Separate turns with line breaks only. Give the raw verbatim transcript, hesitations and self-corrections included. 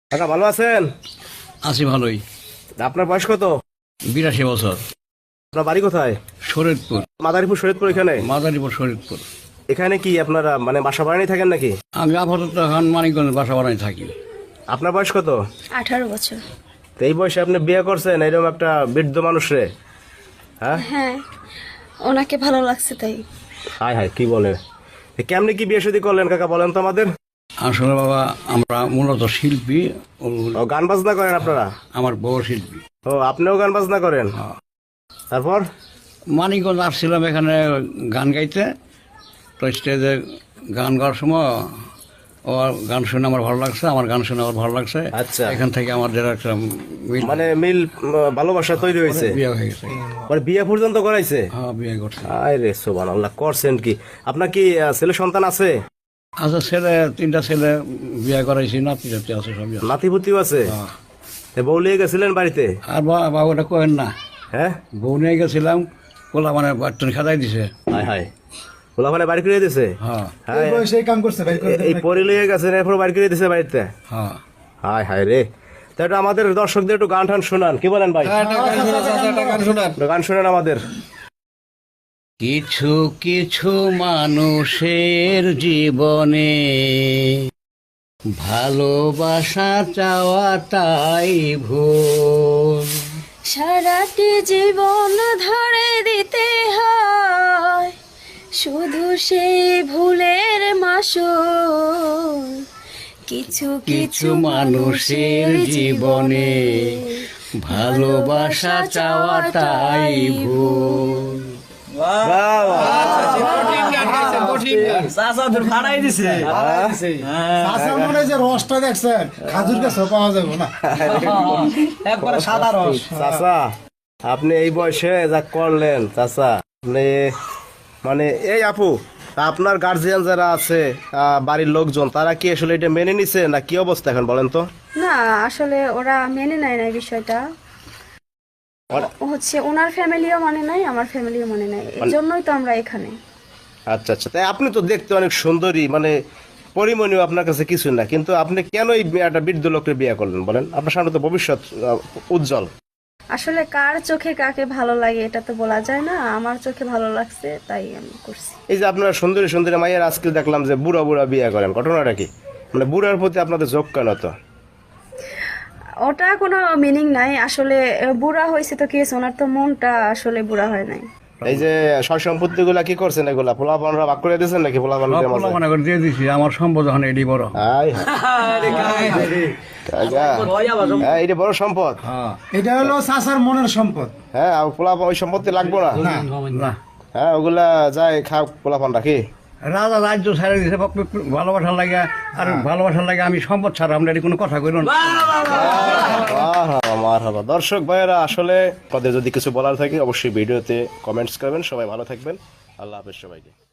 কাকা ভালো আছেন?
আছি ভালোই।
আপনার বয়স কত?
বিরাশি বছর।
আপনার বাড়ি কোথায়?
শরীয়তপুর।
মাদারীপুর শরীয়তপুর এখানে?
মাদারীপুর শরীয়তপুর।
এখানে কি আপনারা মানে বাসা ভাড়ায় থাকেন নাকি?
আমি আপাতত এখন মানিকগঞ্জ বাসা বাড়ায় থাকি।
আপনার বয়স কত?
আঠারো বছর।
তো এই বয়সে আপনি বিয়ে করছেন এরকম একটা বৃদ্ধ মানুষরে? হ্যাঁ
হ্যাঁ, ওনাকে ভালো লাগছে তাই।
হায় হায় কি বলে, কেমনি কি বিয়ে শাদী করলেন কাকা বলেন তো আমাদের।
আসলে বাবা আমরা মূলত শিল্পী। ও
ও গান বাজনা করেন আপনারা?
আমার বউ শিল্পী।
ও আপনিও গান বাজনা করেন? তারপর
মানিকগঞ্জ আসছিলাম এখানে গান গাইতে, তো স্টেজে গান গাওয়ার সময় ও গান শুনে আমার ভালো লাগছে, আমার গান শুনে আমার ভালো লাগছে।
আচ্ছা।
এখান থেকে আমাদের একটা মিল
মানে মিল উম, ভালোবাসা তৈরি হয়েছে,
বিয়ে হয়ে গেছে।
মানে বিয়ে পর্যন্ত করাইছে?
হ্যাঁ বিয়ে করছে।
আয় রে সুবহানাল্লাহ, করছেন কি? আপনার কি আহ, ছেলে সন্তান আছে?
আচ্ছা, ছেলে তিনটা ছেলে বিয়ে করাইছি, নাতি জাতি আছে সবই আছে।
নাতিপুতিও আছে?
হ্যাঁ।
এ বউ লিয়ে গেছিলেন বাড়িতে?
আর বা- বাবুটা কহেন না,
হ্যাঁ
বউ নিয়ে গেছিলাম, কোলা মানে বাটন খাদাই দিছে।
হায় হায়, ওলাখানে বাড়ি করে দিছে?
হ্যাঁ
হ্যাঁ,
সেই কাম করছে ভাই
এ- এই পরি লিয়ে গেছেন এরপর বাড়ি করে দিছে বাড়িতে?
হ্যাঁ।
হায় হায় রে। তা একটু আমাদের দর্শকদের একটু গান টান শোনান, কি বলেন ভাই? একটু গান শোনান আমাদের।
কিছু কিছু মানুষের জীবনে ভালোবাসা চাওয়াটাই ভুল।
সারাটি জীবন ধরে দিতে হয় শুধু সেই ভুলের মাসুল। কিছু
কিছু মানুষের জীবনে ভালোবাসা চাওয়াটাই ভুল।
বাহ,
আসার মনে যে রসটা দেখছেন খাজুর গাছ পাওয়া যাবে না, একবারে সাদা রস।
চাচা আপনি এই বয়সে যা করলেন চাচা, আপনি মানে এই আপু আপনার গার্জিয়ান যারা আছে আহ, বাড়ির লোকজন তারা কি আসলে এটা মেনে নিছে না কি অবস্থা এখন বলেন তো?
না, আসলে ওরা মেনে নেয় না এই বিষয়টা।
ওরা-
ও হচ্ছে ওনার ফ্যামিলিও মানে নাই, আমার ফ্যামিলিও মানে নাই, এই জন্যই তো আমরা এখানে।
আচ্ছা আচ্ছা, তাই আপনি তো দেখতে অনেক সুন্দরী, মানে পরিমণীয় আপনার কাছে কিছু না, কিন্তু আপনি কেন এই একটা বৃদ্ধ লোককে বিয়ে করলেন বলেন? আপনার সামনে তো ভবিষ্যৎ আহ, উজ্জ্বল।
আসলে কার চোখে কাকে ভালো লাগে এটা তো বলা যায় না, আমার চোখে ভালো লাগছে তাই আমি করছি।
এই যে আপনারা সুন্দরী সুন্দরী মাইয়ের আজকে দেখলাম যে বুড়া বুড়া বিয়ে করেন, ঘটনাটা কি? মানে বুড়ার প্রতি আপনাদের ঝোঁক কেন তো?
ওটা কোনো মিনিং নাই আসলে। আহ, বুড়া হয়েছে তো কি হয়েছে, ওনার তো মনটা আসলে বুড়া হয় নাই।
এই যে সয় সম্পত্তি গুলা কি করছেন এগুলা পোলাপানরা ভাগ করে দিয়েছেন নাকি? পোলাপান
পোলা মনে করে দিয়ে দিছি, আমার সম্পদ এখন এডি বড়।
এটা বড় সম্পদ।
হ্যাঁ
এটা হলো চাচার মনের সম্পদ।
হ্যাঁ আর পোলাপান ওই সম্পত্তি লাগবো না?
না,
হ্যাঁ ওগুলা যায় খা পোলাপান রাখি।
রাজা রাজ্য ছাড়ে দিছে ভালোবাসার লাগে, আর ভালোবাসার লাগে আমি সম্পদ ছাড়া আমরা এটি কোনো কথা কইল না।
মারহাবা। দর্শক ভাইয়েরা আসলে আপনাদের যদি কিছু বলার থাকে অবশ্যই ভিডিওতে কমেন্টস করবেন। সবাই ভালো থাকবেন, আল্লাহ হাফেজ সবাইকে।